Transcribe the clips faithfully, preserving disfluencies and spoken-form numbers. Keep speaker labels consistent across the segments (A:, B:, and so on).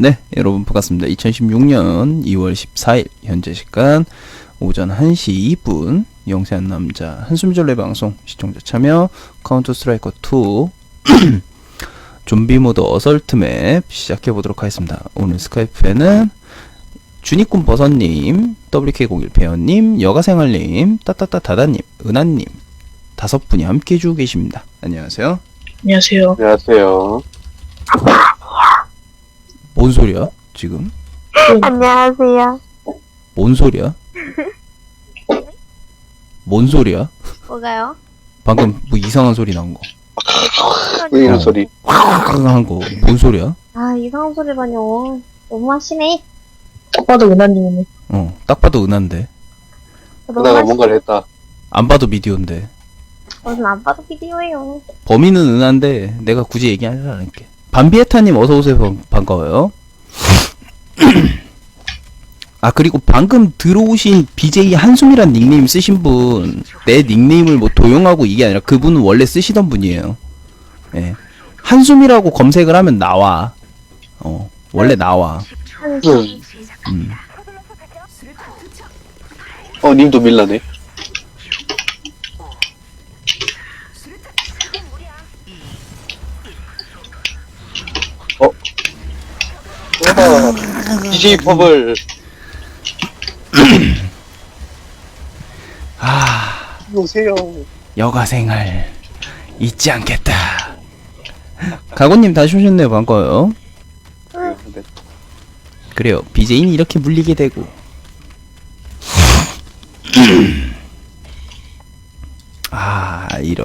A: 네, 여러분 반갑습니다. 이천십육년 이월 십사일 현재 시간 오전 한 시 이 분 영세한 남자 한숨절레 방송 시청자 참여 카운터 스트라이커 투 좀비 모드 어설트 맵 시작해 보도록 하겠습니다. 오늘 스카이프에는 주니꾼 버섯님, 더블유케이 공일 배현님, 여가생활님, 따따따 다다님, 은하님 다섯 분이 함께 해주고 계십니다. 안녕하세요.
B: 안녕하세요.
C: 안녕하세요.
A: 뭔 소리야 지금?
D: 안녕하세요.
A: 뭔 소리야? 뭔 소리야?
D: 뭐가요?
A: 방금 뭐 이상한 소리 난 거.
C: 왜 이런
A: 어.
C: 소리?
A: 한 거. 뭔 소리야?
D: 아, 이상한 소리라뇨. 너무 하시네.
B: 딱 봐도 은하님이네.
A: 어, 딱 봐도 은한데.
D: 너무
C: 누나가
D: 하시...
C: 뭔가를 했다.
A: 안 봐도 미디어인데.
D: 무슨 안 봐도 비디오예요.
A: 범인은 은한데 내가 굳이 얘기하지 않을게. 밤비에타님 어서 오세요. 반- 반가워요. 아, 그리고 방금 들어오신 비제이 한숨이란 닉네임 쓰신 분, 내 닉네임을 뭐 도용하고 이게 아니라 그분은 원래 쓰시던 분이에요. 예. 한숨이라고 검색을 하면 나와. 어, 원래 나와.
C: 응.
A: 음.
C: 어, 님도 밀라네. 어? 와, 디제이 퍼블.
A: 아,
C: 오세요.
A: 여가생활 잊지 않겠다. 가고님 다시 오셨네요. 반가워요.
C: 네.
A: 그래요. 비제이는 이렇게 물리게 되고. 아, 이런.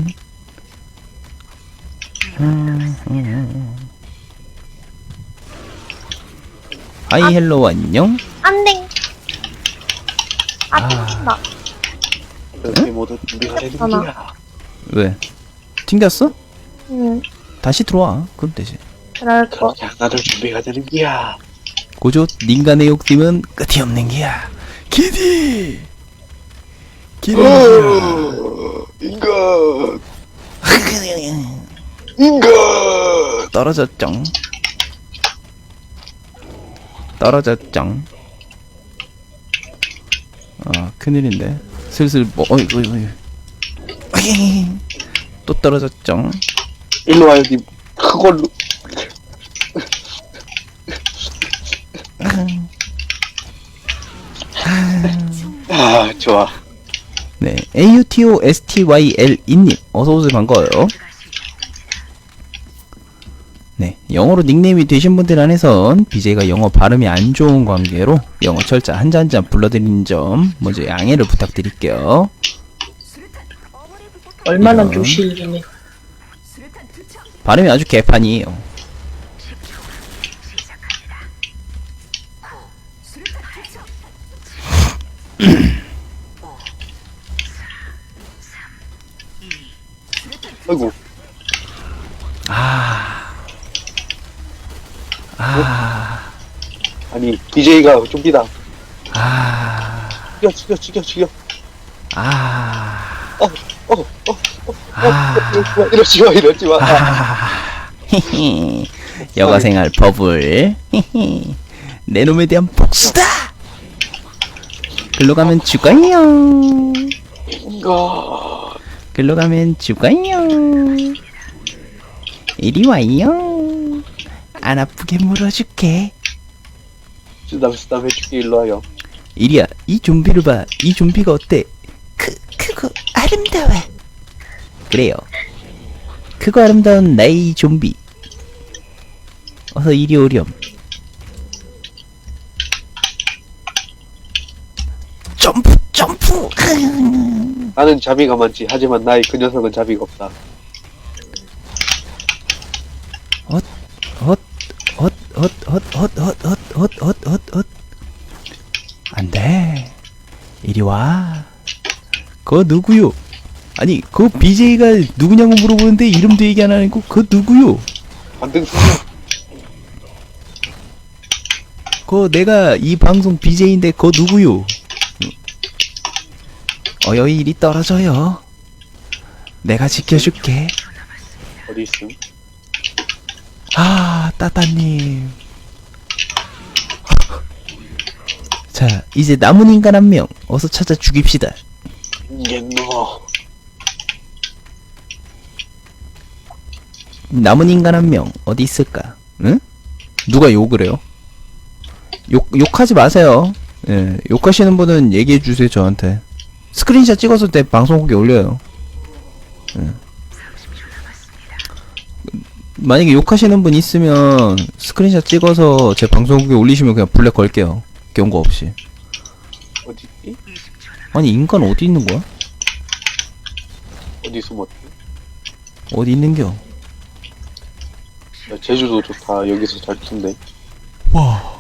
A: 하이 헬로 안녕.
D: 안 돼. 아,
A: 아.
D: 튕긴다.
C: 이렇게 모두 준비하는
D: 하나.
C: 거야.
A: 왜? 튕겼어?
D: 응,
A: 다시 들어와. 그럼 되지.
D: 그럴 거.
C: 그렇게 하나를 준비가 되는 거야.
A: 고조 닌간의 욕심은 끝이 없는 기야. 기디. 기디.
C: 어, 인간. 인간.
A: 떨어졌쩡. 떨어졌쩡. 아, 큰일인데. 슬슬 뭐 어이 어이 어이. 어이. 또 떨어졌쩡.
C: 일로 와요, 님. 그걸로. 아, 좋아.
A: 네, 에이유티오에스티와이엘이님 어서오세요. 반가워요. 네, 영어로 닉네임이 되신 분들 안에선 비제이가 영어 발음이 안 좋은 관계로 영어 철자 한자 한자 불러드리는 점 먼저 양해를 부탁드릴게요.
B: 얼마나
A: 이런.
B: 조실이네.
A: 발음이 아주 개판이에요.
C: 아이고.
A: 아, 아,
C: 아니, 디제이가 좀비다.
A: 아,
C: 죽여, 죽여, 죽여, 죽여.
A: 아,
C: 어, 어, 어, 어,
A: 아.
C: 어, 이러지 마, 이러지 마.
A: 아, 히히. 여가생활 버블. 히히. 내 놈에 대한 복수다. 글로 가면 죽어요.
C: 인간.
A: 글로 가면 죽어요. 이리 와요. 안 아프게 물어줄게.
C: 쓰담, 쓰담 해줄게, 일로 와요.
A: 이리야, 이 좀비를 봐. 이 좀비가 어때? 크, 크고 아름다워. 그래요. 크고 아름다운 나의 좀비. 어서 이리 오렴. 점프, 점프.
C: 나는 자비가 많지. 하지만 나의 그 녀석은 자비가 없다.
A: 헛, 헛, 헛, 헛, 헛, 헛, 헛, 헛, 헛, 헛, 헛, 헛. 안 돼. 이리 와. 그거 누구요? 아니, 그 비제이가 누구냐고 물어보는데 이름도 얘기 안 하고 그거 누구요?
C: 반등 소녀.
A: 그거 내가 이 방송 비제이인데 그거 누구요? 어여이 이리 떨어져요. 내가 지켜줄게.
C: 어디 있음?
A: 아, 따따님. 자, 이제 남은 인간 한 명 어서 찾아 죽입시다.
C: 옌노.
A: 남은 인간 한 명 어디 있을까? 응? 누가 욕을 해요? 욕 욕하지 마세요. 예, 욕하시는 분은 얘기해 주세요 저한테. 스크린샷 찍어서 내 방송국에 올려요. 예. 만약에 욕하시는 분 있으면 스크린샷 찍어서 제 방송국에 올리시면 그냥 블랙 걸게요. 경고 없이.
C: 어디
A: 아니 인간 어디 있는 거야?
C: 어디 숨었지?
A: 어디 있는겨?
C: 야, 제주도 좋다. 여기서 잘 튼데.
A: 와.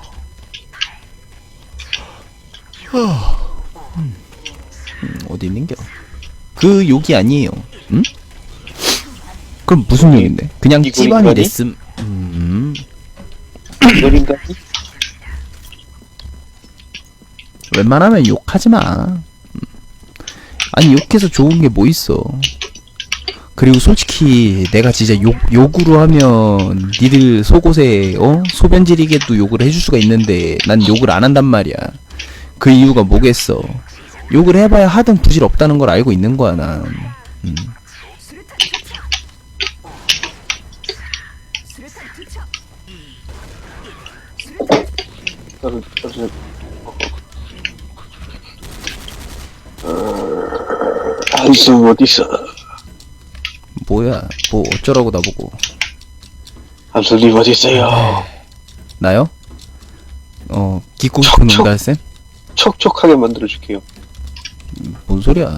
A: 음, 어디 있는겨? 그 욕이 아니에요. 응? 그럼 무슨 욕인데? 그냥
C: 이거
A: 찌반이
C: 인간이?
A: 됐음. 음.
C: 이걸 인간이?
A: 웬만하면 욕하지 마. 음. 아니 욕해서 좋은 게 뭐 있어? 그리고 솔직히 내가 진짜 욕 욕으로 하면 니들 속옷에 어 소변 지리게도 욕을 해줄 수가 있는데 난 욕을 안 한단 말이야. 그 이유가 뭐겠어? 욕을 해봐야 하든 부질 없다는 걸 알고 있는 거야 난. 음.
C: 나를 나를 한숨 어디 있어?
A: 뭐야? 뭐 어쩌라고 나보고?
C: 한숨님 어디 있어요?
A: 나요? 어 기고 싶은
C: 척, 척.
A: 농달쌤?
C: 촉촉하게 만들어 줄게요.
A: 뭔 소리야?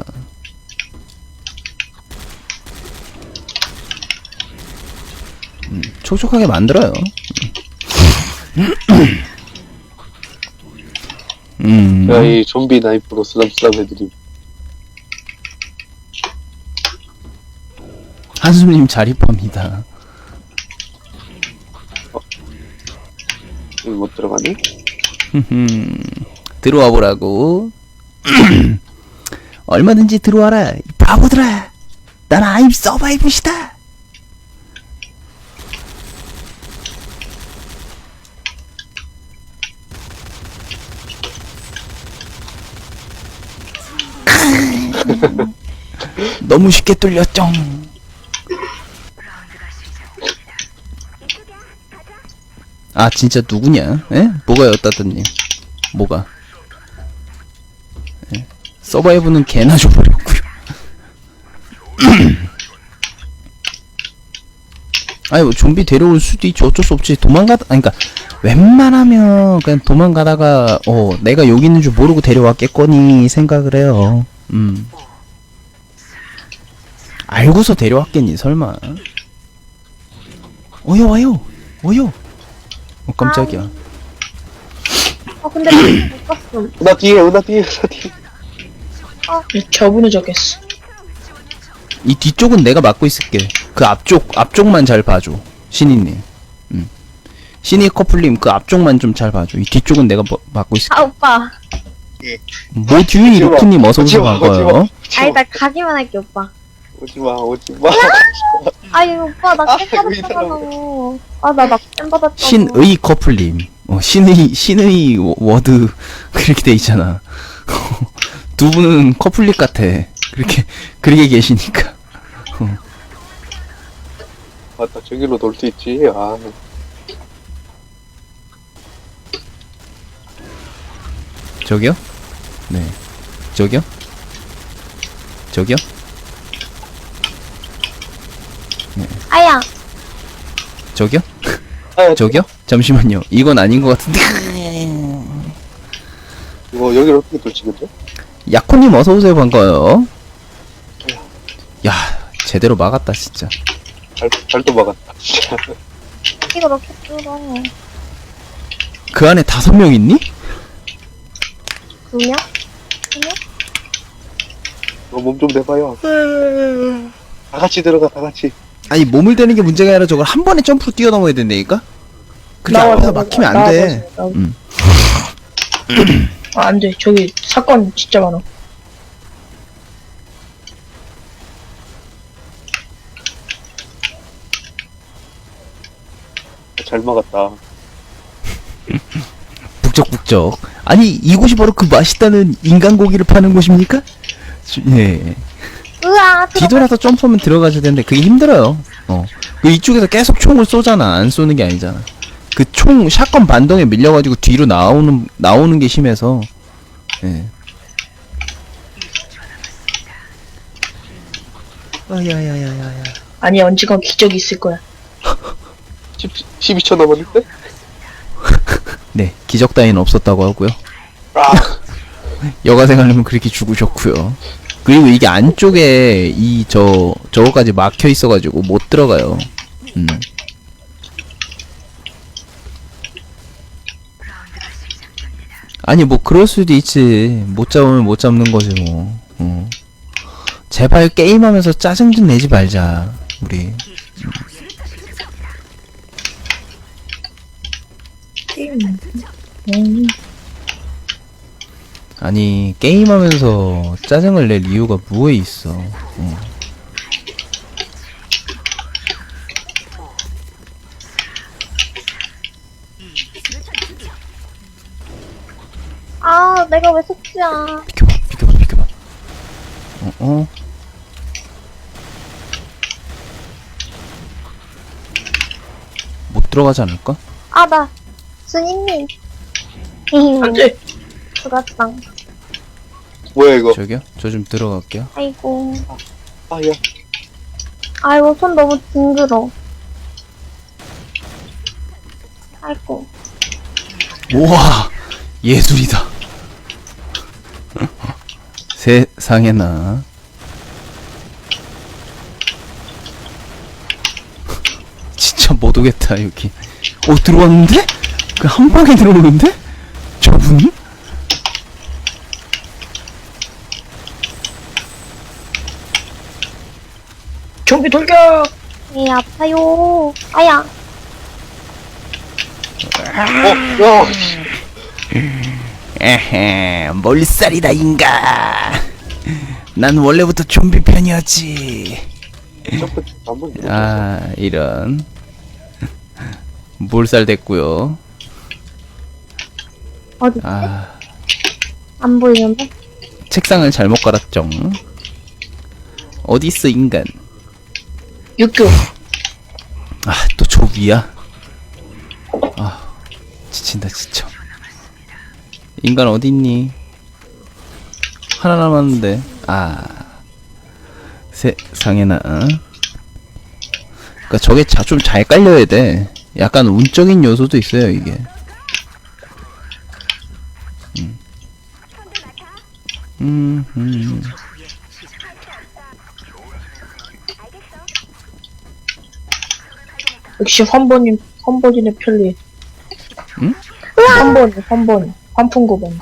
A: 음, 촉촉하게 만들어요. 음.
C: 야, 이 좀비 나이프로 쓰담쓰담 해드림.
A: 한숨님 자립합니다.
C: 여기 못 들어가네?
A: 흠흠. 들어와 보라고. 얼마든지 들어와라, 이 바보들아. 난 아임 서바이브시다. 너무 쉽게 뚫렸죠. 아 진짜 누구냐? 에? 뭐가요 따뜻님? 뭐가? 에? 서바이브는 개나 줘버렸구요. 아니 뭐 좀비 데려올 수도 있지. 어쩔 수 없지. 도망가다 아니 그니까 웬만하면 그냥 도망가다가 어 내가 여기 있는 줄 모르고 데려왔겠거니 생각을 해요. 음 알고서 데려왔겠니 설마. 어여 와요 어여. 어 깜짝이야.
D: 어, 근데 못 봤음.
C: 나 뒤에, 나 뒤에, 나 뒤에.
B: 저분을 적겠어.
A: 이 뒤쪽은 내가 맡고 있을게. 그 앞쪽 앞쪽만 잘 봐줘 신이님. 음. 신이 커플님 그 앞쪽만 좀 잘 봐줘. 이 뒤쪽은 내가 뭐, 맡고 있을게.
D: 아, 오빠.
A: 뭐 듀이 루크님 어서 오세요.
C: 오지마,
A: 반가워요.
C: 오지마.
D: 아니, 나 가기만 할게, 오빠.
C: 오지마, 오지마.
D: 아니, 오빠, 나
C: 아,
D: 쌤
C: 왜
D: 받았잖아. 아, 나 낙쌤 받았잖아.
A: 신의 커플님. 어, 신의 신의 워- 워드 그렇게 돼 있잖아. 두 분은 커플릭 같아. 그렇게 그렇게 계시니까.
C: 맞다, 저기로 놀 수 있지. 아,
A: 저기요? 네. 저기요? 저기요?
D: 아야.
A: 저기요?
C: 아,
A: 저기요? 잠시만요. 이건 아닌 것 같은데.
C: 이거 여기로 어떻게 돌지, 근데?
A: 야코님 어서 오세요. 반가워요. 야, 제대로 막았다 진짜.
C: 잘, 잘도 막았다. 진짜.
D: 이거 이렇게 뚫어.
A: 그 안에 다섯 명 있니?
D: 두 명? 두 명?
C: 너 몸 좀 내봐요. 다 같이 들어가, 다 같이.
A: 아니 몸을 대는 게 문제가 아니라 저걸 한 번에 점프로 뛰어넘어야 된다니까? 그게
B: 나와,
A: 앞에서
B: 나와,
A: 막히면 안
B: 나와,
A: 돼.
B: 나와.
A: 음.
B: 아, 안 돼. 저기 사건 진짜 많아.
C: 잘 막았다.
A: 북적북적. 아니 이곳이 바로 그 맛있다는 인간 고기를 파는 곳입니까? 주- 예.
D: 으아,
A: 뒤돌아서 점프하면 들어가야 되는데 그게 힘들어요. 어. 그 이쪽에서 계속 총을 쏘잖아. 안 쏘는 게 아니잖아. 그 총 샷건 반동에 밀려가지고 뒤로 나오는 나오는 게 심해서. 예. 아야야야야야.
B: 아니 언젠가 기적이 있을 거야.
C: 십이 초 남았는데?
A: 네, 기적 따위는 없었다고 하고요.
C: 아,
A: 여가생 하려면 그렇게 죽으셨고요. 그리고 이게 안쪽에 이 저 저거까지 막혀 있어가지고 못 들어가요. 음. 아니 뭐 그럴 수도 있지. 못 잡으면 못 잡는 거지 뭐. 어. 제발 게임하면서 짜증 좀 내지 말자 우리.
B: 음.
A: 아니 게임하면서 짜증을 낼 이유가 뭐에 있어. 어.
D: 아, 내가 왜 속지야.
A: 비켜봐 비켜봐 비켜봐. 어 어. 못 들어가지 않을까?
D: 아, 나, 스님님.
B: 안돼.
D: 죽었다.
C: 뭐야 이거?
A: 저기요? 저 좀 들어갈게요.
D: 아이고.
C: 아, 야.
D: 아이고, 손 너무 징그러. 아이고.
A: 우와 예술이다. 세상에나. 진짜 못 오겠다 여기. 오 들어왔는데? 그 한 방에 들어오는데? 저분?
B: 좀비 돌격.
D: 에 아파요. 아야.
C: 어, 야,
A: 에헤 몰살이다 인가. 난 원래부터 좀비 편이었지.
C: 점프 한번 눌러.
A: 아 이런. 몰살 됐고요.
D: 어디?
A: 아
D: 안 보이는데?
A: 책상을 잘못 깔았죠. 어딨어 인간.
B: 육교.
A: 아 또 저 위야. 아 지친다 지쳐. 인간 어딨니? 하나 남았는데. 아 세상에나. 그니까 저게 좀 잘 깔려야 돼. 약간 운적인 요소도 있어요 이게. 음. 음, 음.
B: 역시 환번님 환번이네 편리.
A: 응?
B: 환번 환번 환풍구번.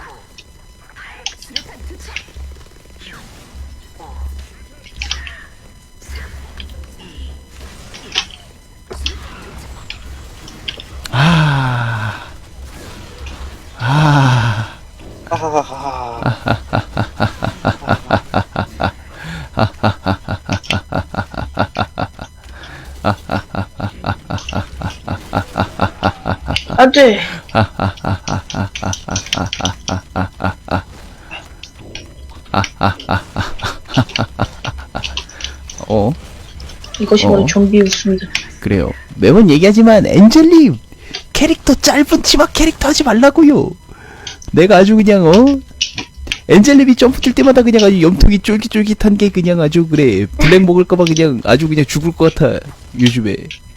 A: 아, 아,
C: 하하하하.
B: 안돼.
A: 어,
B: 이것이 바로
A: 어?
B: 좀비 웃음이다.
A: 그래요. 매번 얘기하지만 엔젤님 캐릭터 짧은 치마 캐릭터 하지 말라고요. 내가 아주 그냥 어 엔젤님이 점프 뛸 때마다 그냥 아주 염통이 쫄깃쫄깃한 게 그냥 아주 그래. 블랙 먹을까봐 그냥 아주 그냥 죽을 것 같아 요즘에.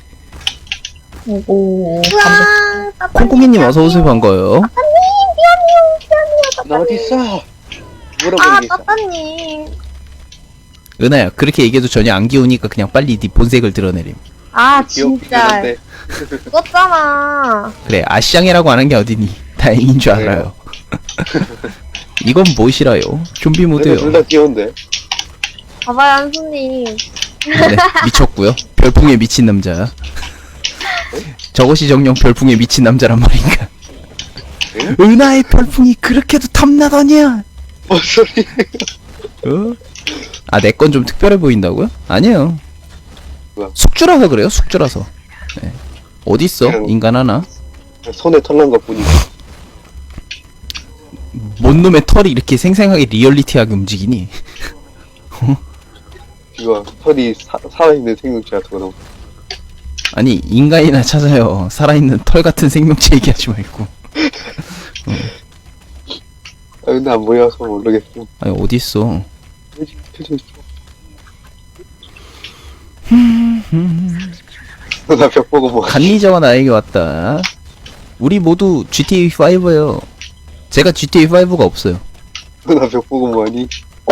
B: 오오.
D: 우와, 따따님.
A: 콩콩이님 어서 오세요. 반가워요.
D: 따따님, 미안해요, 미안해요,
C: 나 어디
D: 따따님.
C: 있어? 뭐라고
D: 아,
C: 얘기했어?
D: 따따님.
A: 은하야 그렇게 얘기해도 전혀 안 귀여우니까 그냥 빨리 네 본색을 드러내림.
D: 아,
C: 귀엽긴
D: 진짜.
C: 한데.
D: 죽었잖아.
A: 그래 아시장이라고 하는 게 어디니. 다행인 줄 알아요. 이건 무엇이라요? 좀비 모드요.
C: 둘다 귀여운데.
D: 봐봐요, 한수님.
A: 네, 미쳤고요. 별풍에 미친 남자. 저것이 정령 별풍에 미친 남자란 말인가?
C: 응?
A: 은하의 별풍이 그렇게도 탐나더냐?
C: 뭔 소리?
A: 어? 아, 내 건 좀 특별해 보인다고요? 아니에요.
C: 뭐야?
A: 숙주라서 그래요, 숙주라서. 네. 어딨어,
C: 그냥-
A: 인간 하나?
C: 손에 털난 것 뿐이고.
A: 뭔 놈의 털이 이렇게 생생하게 리얼리티하게 움직이니?
C: 이거 털이 사, 살아있는 생명체 같은 거.
A: 아니 인간이나 찾아요. 살아있는 털 같은 생명체 얘기하지 말고.
C: 아 근데 안 보여서 모르겠어.
A: 아니 어디 있어?
C: 켜져 있어. 나 벽 보고 뭐.
A: 간리자와 나에게 왔다. 우리 모두 지티에이 파이브예요. 제가 지티에이 파이브가 없어요.
C: 나 벽 보고 뭐하니?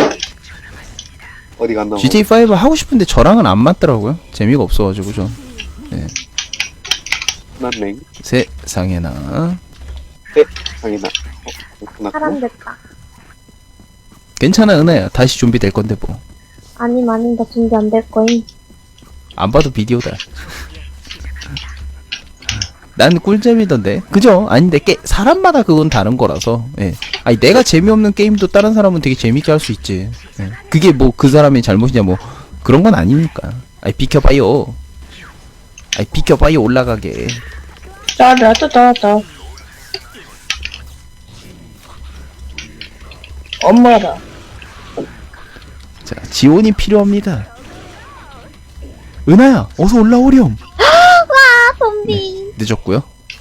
C: 어디 갔나?
A: 지티에이 파이브 하고 싶은데 저랑은 안 맞더라고요. 재미가 없어가지고 전. 네.
C: 난랭.
A: 세상에나.
C: 네, 상이나. 어, 끝났고.
D: 사람 됐다.
A: 괜찮아 은하야. 다시 좀비 될 건데 뭐.
D: 아님, 아님, 나 준비 안 될 거임.
A: 안 봐도 비디오다. 난 꿀잼이던데. 그죠? 아닌데 게 사람마다 그건 다른 거라서. 예. 아니 내가 재미없는 게임도 다른 사람은 되게 재밌게 할 수 있지. 예. 그게 뭐 그 사람의 잘못이냐 뭐 그런 건 아니니까. 아이 비켜봐요. 아이 비켜봐요 올라가게.
B: 따라따따따. 엄마다.
A: 자 지원이 필요합니다. 은하야 어서 올라오렴.
D: 아, 좀비.
A: 늦었고요.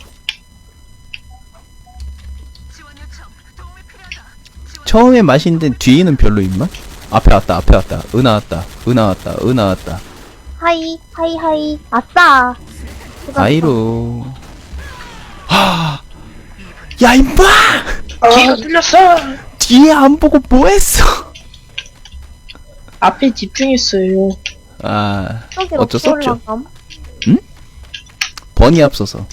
A: 처음에 맛있는데 뒤에는 별로 입맛? 앞에 왔다 앞에 왔다 은하 왔다 은하 왔다 은하 왔다
D: 하이, 하이, 하이. 아싸.
A: 아이로 하. 야 임마
B: 뒤가 뚫렸어.
A: 뒤에 안 보고 뭐했어.
B: 앞에 집중했어요.
A: 아
D: 저기
A: 어쩔 수 없죠.
D: 올라감?
A: 번이 앞서서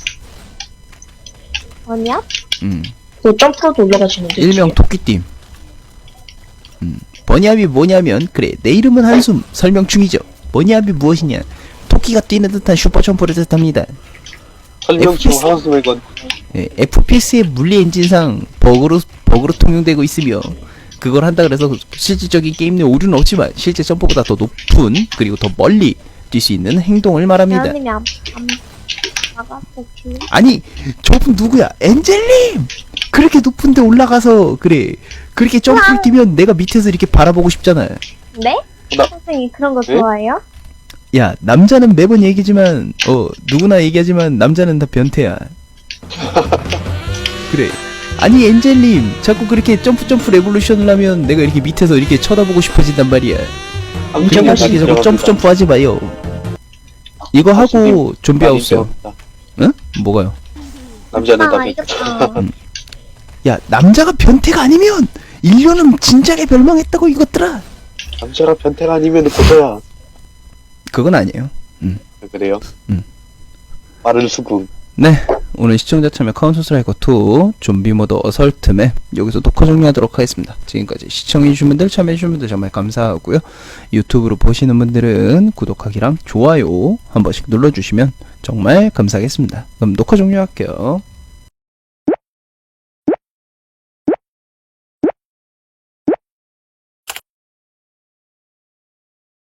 D: 뭐냐?
A: 음
B: 그 점프로도 올라가시는데.
A: 일명 토끼띠. 음 번이압이 뭐냐면 그래 내 이름은 한숨 설명 중이죠. 번이압이 무엇이냐 토끼가 뛰는 듯한 슈퍼점프를 뜻합니다.
C: 설명충
A: 에프피에스.
C: 하우스의 건.
A: 예, 에프피에스의 물리 엔진상 버그로 버그로 통용되고 있으며 그걸 한다 그래서 실질적인 게임 내 오류는 없지만 실제 점프보다 더 높은 그리고 더 멀리 뛸 수 있는 행동을 말합니다.
D: 대현님이 안, 안, 나갔어, 지
A: 아니 저분 누구야? 엔젤님! 그렇게 높은데 올라가서 그래 그렇게 점프를 뛰면 내가 밑에서 이렇게 바라보고 싶잖아.
D: 네?
C: 나-
D: 선생님 그런 거
C: 네?
D: 좋아해요?
A: 야 남자는 매번 얘기지만 어 누구나 얘기하지만 남자는 다 변태야. 그래 아니 엔젤님 자꾸 그렇게 점프 점프 레볼루션을 하면 내가 이렇게 밑에서 이렇게 쳐다보고 싶어진단 말이야. 그러니까
B: 인정하시-
A: 이렇게 자꾸 점프 점프 하지 마요. 이거 하고 좀비
C: 많이
A: 하우스요.
C: 배웠다.
A: 응? 뭐가요?
C: 남자는 다
D: 아,
C: 배.
D: 이겼다.
A: 야 남자가 변태가 아니면 인류는 진작에 멸망했다고 이것들아.
C: 남자라 변태가 아니면 고소야.
A: 그건 아니에요.
C: 그래요?
A: 음.
C: 빠른 수긍.
A: 네 오늘 시청자 참여 카운터 스트라이커 투 좀비 모드 어설트 맵 여기서 녹화 종료하도록 하겠습니다. 지금까지 시청해주신 분들 참여해주신 분들 정말 감사하고요. 유튜브로 보시는 분들은 구독하기랑 좋아요 한 번씩 눌러주시면 정말 감사하겠습니다. 그럼 녹화 종료할게요.